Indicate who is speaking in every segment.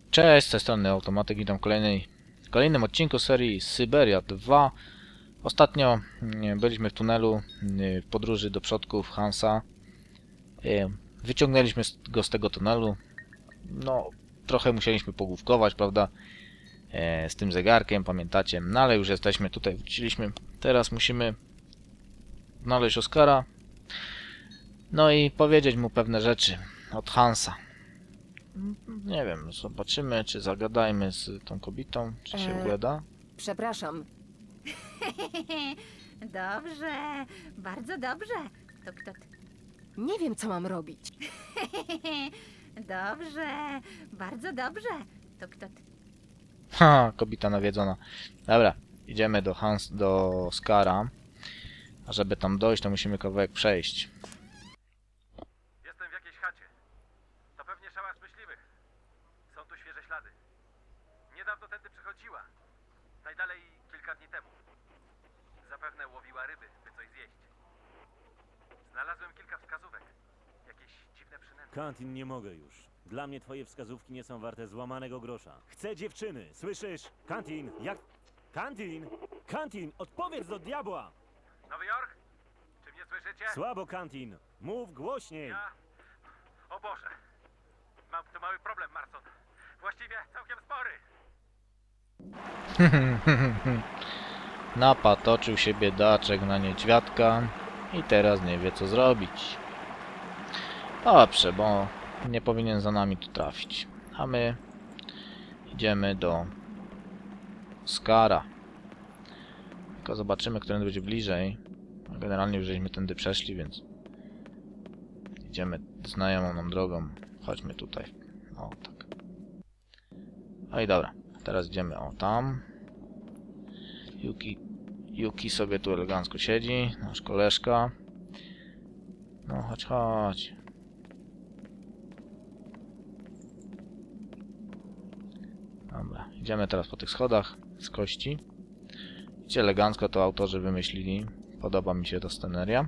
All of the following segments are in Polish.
Speaker 1: Cześć, z tej strony Automatyk, witam w kolejnym odcinku serii Syberia 2. Ostatnio byliśmy w tunelu w podróży do przodków Hansa. Wyciągnęliśmy go z tego tunelu. No, trochę musieliśmy pogłówkować, prawda, z tym zegarkiem, pamiętacie. No ale już jesteśmy tutaj, wróciliśmy. Teraz musimy znaleźć Oskara. No i powiedzieć mu pewne rzeczy od Hansa. Nie wiem, zobaczymy, czy zagadajmy z tą kobietą, czy się ugada.
Speaker 2: Przepraszam,
Speaker 3: Dobrze, bardzo dobrze. To kto ty?
Speaker 2: nie wiem, co mam robić.
Speaker 3: Dobrze, bardzo dobrze. To kto ty?
Speaker 1: Ha, kobieta nawiedzona. Dobra, idziemy do Oskara. A żeby tam dojść, to musimy kawałek przejść.
Speaker 4: Jestem w jakiejś chacie. To pewnie szałas myśliwych. Są tu świeże ślady. Niedawno tędy przechodziła. Najdalej kilka dni temu. Zapewne łowiła ryby, by coś zjeść. Znalazłem kilka wskazówek. Jakieś dziwne przynęty.
Speaker 5: Kantin, nie mogę już. Dla mnie twoje wskazówki nie są warte złamanego grosza. Chcę dziewczyny, słyszysz? Kantin, jak... Kantin! Kantin, odpowiedz do diabła!
Speaker 4: Nowy Jork? Czy mnie słyszycie?
Speaker 5: Słabo, Kantin. Mów głośniej.
Speaker 4: Ja... O Boże. Mam tu mały problem, Marson. Właściwie całkiem spory.
Speaker 1: Napatoczył się biedaczek na niedźwiadka i teraz nie wie, co zrobić. Dobrze, bo nie powinien za nami tu trafić. A my idziemy do Oskara. Tylko zobaczymy, który będzie bliżej. Generalnie już żeśmy tędy przeszli, więc idziemy znajomą nam drogą. Chodźmy tutaj. O, tak. No i dobra. Teraz idziemy o tam. Yuki sobie tu elegancko siedzi. Nasz koleżka. No, chodź, chodź. Dobra, idziemy teraz po tych schodach z kości. Widzicie, elegancko to autorzy wymyślili. Podoba mi się ta sceneria.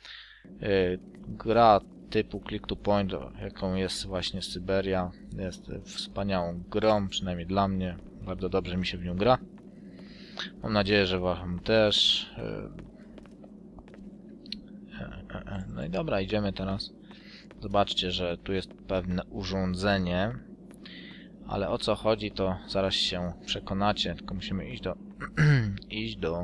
Speaker 1: Gra typu click to point, jaką jest właśnie Syberia, jest wspaniałą grą, przynajmniej dla mnie. Bardzo dobrze mi się w nią gra. Mam nadzieję, że wam też. No i dobra, idziemy teraz. Zobaczcie, że tu jest pewne urządzenie. Ale o co chodzi, to zaraz się przekonacie. Tylko musimy iść do... iść do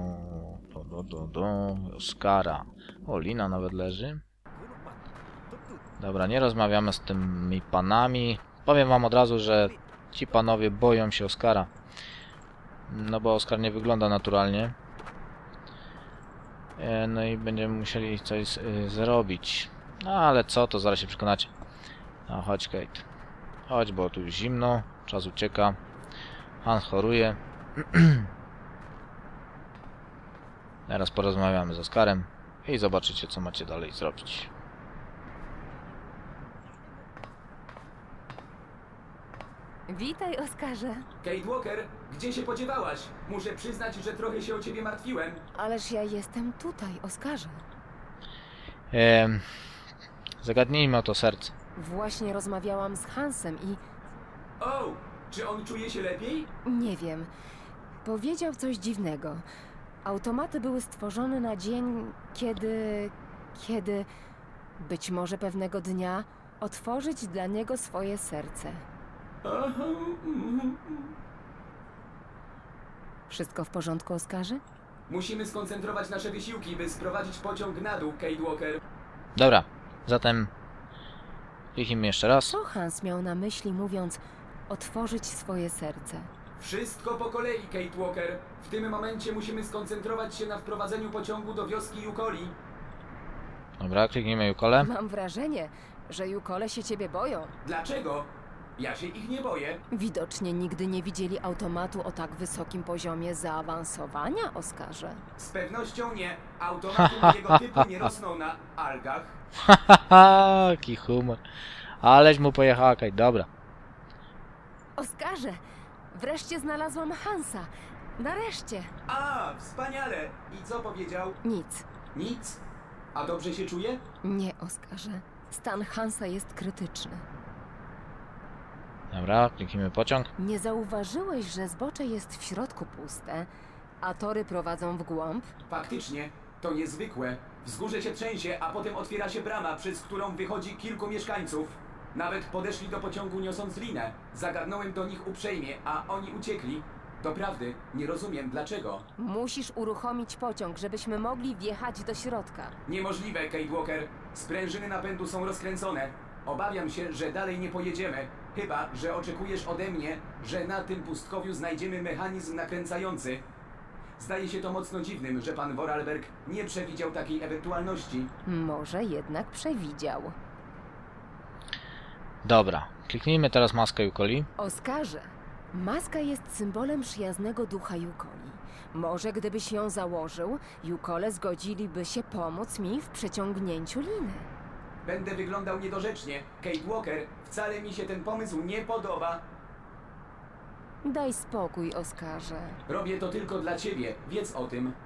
Speaker 1: Oskara. O, lina nawet leży. Dobra, nie rozmawiamy z tymi panami. Powiem wam od razu, że ci panowie boją się Oskara. No bo Oskar nie wygląda naturalnie. No i będziemy musieli coś zrobić. No ale co, to zaraz się przekonacie. No chodź, Kate. Chodź, bo tu już zimno. Czas ucieka. Hans choruje. Teraz porozmawiamy z Oskarem i zobaczycie, co macie dalej zrobić.
Speaker 2: Witaj, Oskarze.
Speaker 6: Kate Walker, gdzie się podziewałaś? Muszę przyznać, że trochę się o ciebie martwiłem.
Speaker 2: Ależ ja jestem tutaj, Oskarze.
Speaker 1: Zagadnijmy o to serce.
Speaker 2: Właśnie rozmawiałam z Hansem i
Speaker 6: O, czy on czuje się lepiej?
Speaker 2: nie wiem. Powiedział coś dziwnego. Automaty były stworzone na dzień, kiedy być może pewnego dnia otworzyć dla niego swoje serce.
Speaker 6: Aha,
Speaker 2: Wszystko w porządku, Oskarze?
Speaker 6: Musimy skoncentrować nasze wysiłki, by sprowadzić pociąg na dół, Kate Walker.
Speaker 1: Dobra, zatem kliknijmy jeszcze raz.
Speaker 2: Co Hans miał na myśli, mówiąc otworzyć swoje serce?
Speaker 6: Wszystko po kolei, Kate Walker. W tym momencie musimy skoncentrować się na wprowadzeniu pociągu do wioski Yukoli.
Speaker 1: Dobra, kliknijmy Jukole.
Speaker 2: Mam wrażenie, że Jukole się ciebie boją.
Speaker 6: Dlaczego? Ja się ich nie boję.
Speaker 2: Widocznie nigdy nie widzieli automatu o tak wysokim poziomie zaawansowania, Oskarze.
Speaker 6: Z pewnością nie. Automaty mojego typu nie rosną na algach.
Speaker 1: Hahaha, jaki humor. Aleś mu pojechała, Kate. Dobra.
Speaker 2: Oskarze, wreszcie znalazłam Hansa. Nareszcie.
Speaker 6: A, wspaniale. I co powiedział?
Speaker 2: Nic.
Speaker 6: Nic? A dobrze się czuje?
Speaker 2: Nie, Oskarze. Stan Hansa jest krytyczny.
Speaker 1: Dobra, kliknijmy pociąg.
Speaker 2: Nie zauważyłeś, że zbocze jest w środku puste, a tory prowadzą w głąb?
Speaker 6: Faktycznie, to niezwykłe. Wzgórze się trzęsie, a potem otwiera się brama, przez którą wychodzi kilku mieszkańców. Nawet podeszli do pociągu niosąc linę. Zagadnąłem do nich uprzejmie, a oni uciekli. Doprawdy, nie rozumiem dlaczego.
Speaker 2: Musisz uruchomić pociąg, żebyśmy mogli wjechać do środka.
Speaker 6: Niemożliwe, Kate Walker. Sprężyny napędu są rozkręcone. Obawiam się, że dalej nie pojedziemy. Chyba, że oczekujesz ode mnie, że na tym pustkowiu znajdziemy mechanizm nakręcający. Zdaje się to mocno dziwnym, że pan Vorarlberg nie przewidział takiej ewentualności.
Speaker 2: Może jednak przewidział.
Speaker 1: Dobra, kliknijmy teraz maskę Yukoli.
Speaker 2: Oskarze, maska jest symbolem przyjaznego ducha Yukoli. Może gdybyś ją założył, Yukole zgodziliby się pomóc mi w przeciągnięciu liny.
Speaker 6: Będę wyglądał niedorzecznie. Kate Walker, wcale mi się ten pomysł nie podoba.
Speaker 2: Daj spokój, Oskarze.
Speaker 6: Robię to tylko dla ciebie, wiedz o tym.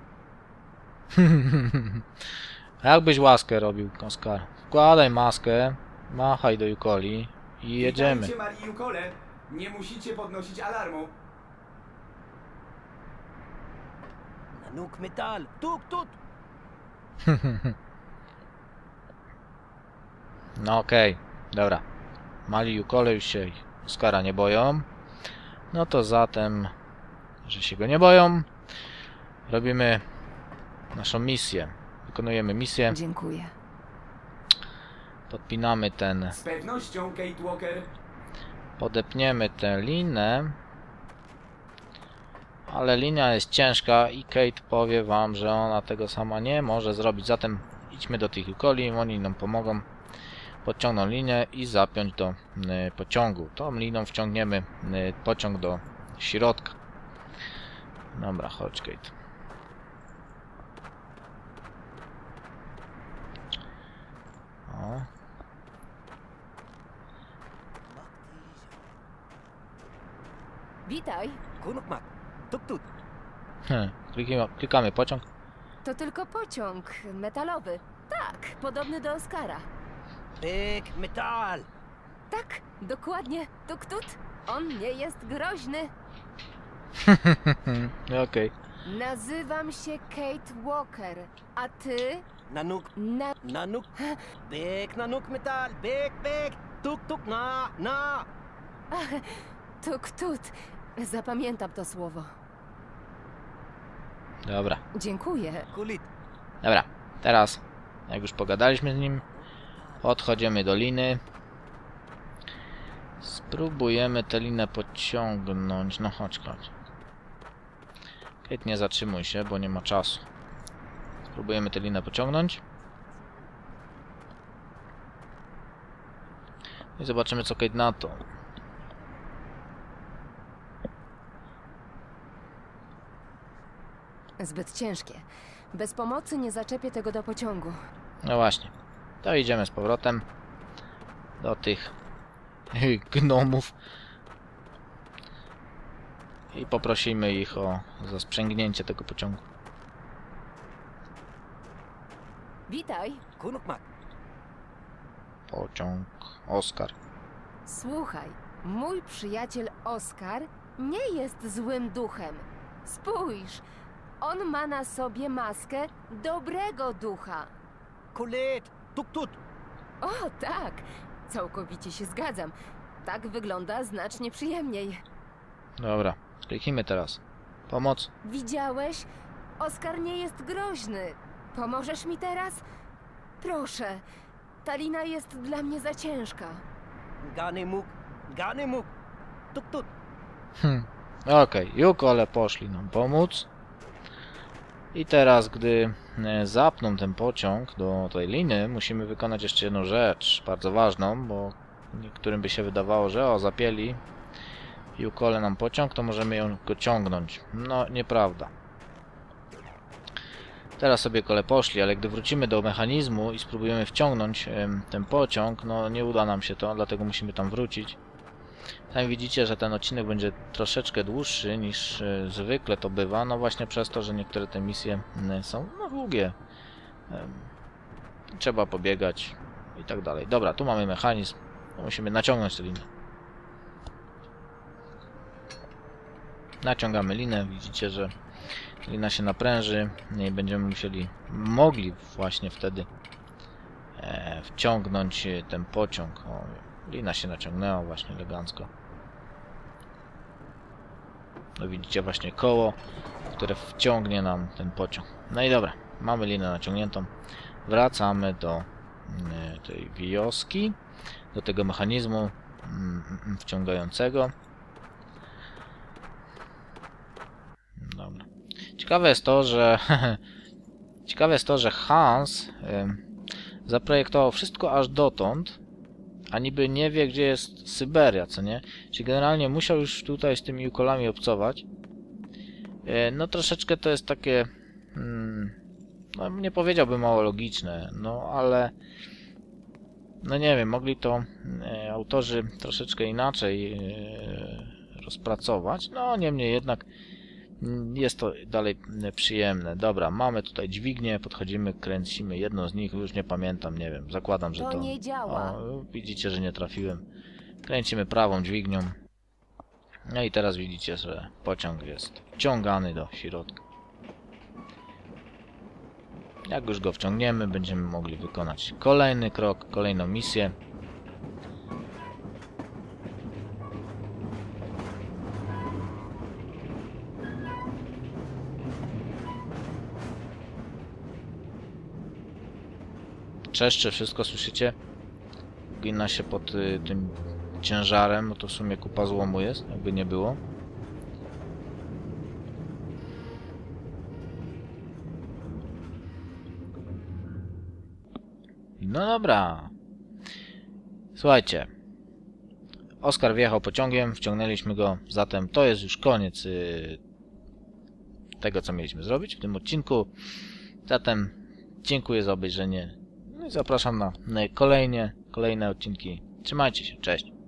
Speaker 1: Jakbyś łaskę robił, Oskar. Wkładaj maskę, machaj do Yukoli i jedziemy.
Speaker 6: Witajcie, Marii Yukole. Nie musicie podnosić alarmu.
Speaker 5: Nanook metal! Tuk, tuk!
Speaker 1: No okej, dobra. Mali Yukole już się Oskara nie boją. No to zatem, że się go nie boją, robimy naszą misję. Wykonujemy misję,
Speaker 2: Dziękuję.
Speaker 1: podpinamy ten,
Speaker 6: Z pewnością, Kate Walker.
Speaker 1: podepniemy tę linę. Ale linia jest ciężka i Kate powie wam, że ona tego sama nie może zrobić. Zatem idźmy do tych Yukoli, oni nam pomogą. Podciągną linię i zapiąć do pociągu. Tą liną wciągniemy pociąg do środka. Dobra, chodź Kate. O.
Speaker 2: Witaj.
Speaker 5: Kunukmak! Tuk, tuk!
Speaker 1: Klikamy pociąg.
Speaker 2: To tylko pociąg metalowy. Tak, podobny do Oskara.
Speaker 5: Big metal!
Speaker 2: Tak, dokładnie. Tuk-tut. On nie jest groźny.
Speaker 1: Okej.
Speaker 2: Nazywam się Kate Walker, a ty?
Speaker 5: Nanook,
Speaker 2: Na...
Speaker 5: nanook! Big nanook metal! Big, big! Tuk, tuk, na!
Speaker 2: Tuk-tut. Zapamiętam to słowo.
Speaker 1: Dobra.
Speaker 2: Dziękuję.
Speaker 5: Kulit!
Speaker 1: Dobra. Teraz, jak już pogadaliśmy z nim, podchodzimy do liny. Spróbujemy tę linę pociągnąć. No chodź. Kate, nie zatrzymuj się, bo nie ma czasu. Spróbujemy tę linę pociągnąć. I zobaczymy, co Kate na to.
Speaker 2: Zbyt ciężkie. Bez pomocy nie zaczepię tego do pociągu.
Speaker 1: No właśnie. To idziemy z powrotem do tych gnomów. I poprosimy ich o zasprzęgnięcie tego pociągu.
Speaker 2: Witaj.
Speaker 5: Kunukmak!
Speaker 1: Pociąg Oskar.
Speaker 2: Słuchaj, mój przyjaciel Oskar nie jest złym duchem. Spójrz, on ma na sobie maskę dobrego ducha.
Speaker 5: Kulit! Tuk, tuk!
Speaker 2: O, tak, całkowicie się zgadzam. Tak wygląda znacznie przyjemniej.
Speaker 1: Dobra, kliknijmy teraz. Pomoc.
Speaker 2: Widziałeś? Oskar nie jest groźny. Pomożesz mi teraz? Proszę, ta lina jest dla mnie za ciężka.
Speaker 5: Ganemuk! Ganemuk! Tuk, tuk!
Speaker 1: Okej, Yukole poszli nam pomóc. I teraz, gdy zapną ten pociąg do tej liny, musimy wykonać jeszcze jedną rzecz, bardzo ważną, bo niektórym by się wydawało, że o, zapięli Yukole nam pociąg, to możemy go ciągnąć. No, nieprawda. Teraz sobie kole poszli, ale gdy wrócimy do mechanizmu i spróbujemy wciągnąć ten pociąg, no nie uda nam się to, dlatego musimy tam wrócić. Tam widzicie, że ten odcinek będzie troszeczkę dłuższy niż zwykle to bywa, no właśnie przez to, że niektóre te misje są no, długie. Trzeba pobiegać i tak dalej. Dobra, tu mamy mechanizm. Musimy naciągnąć tę linię. Naciągamy linę, widzicie, że lina się napręży i będziemy mogli właśnie wtedy wciągnąć ten pociąg. O, lina się naciągnęła właśnie elegancko. No widzicie właśnie koło, które wciągnie nam ten pociąg. No i dobra, mamy linę naciągniętą. Wracamy do tej wioski, do tego mechanizmu wciągającego. Dobra. Ciekawe jest to, że Hans zaprojektował wszystko aż dotąd, a niby nie wie, gdzie jest Syberia, co nie? Czyli generalnie musiał już tutaj z tymi ukolami obcować. No troszeczkę to jest takie, no nie powiedziałbym mało logiczne, no ale no nie wiem, mogli to autorzy troszeczkę inaczej rozpracować, no niemniej jednak jest to dalej przyjemne. Dobra, mamy tutaj dźwignię, podchodzimy, kręcimy jedną z nich, już nie pamiętam, nie wiem, zakładam, że
Speaker 2: To
Speaker 1: to...
Speaker 2: nie działa.
Speaker 1: O, widzicie, że nie trafiłem. Kręcimy prawą dźwignią. No i teraz widzicie, że pociąg jest wciągany do środka. Jak już go wciągniemy, będziemy mogli wykonać kolejny krok, kolejną misję. Czeszczy, wszystko słyszycie? Gina się pod tym ciężarem, bo to w sumie kupa złomu jest, jakby nie było. No dobra. Słuchajcie. Oskar wjechał pociągiem, wciągnęliśmy go, zatem to jest już koniec tego, co mieliśmy zrobić w tym odcinku. Zatem dziękuję za obejrzenie. No i zapraszam na kolejne odcinki. Trzymajcie się, cześć.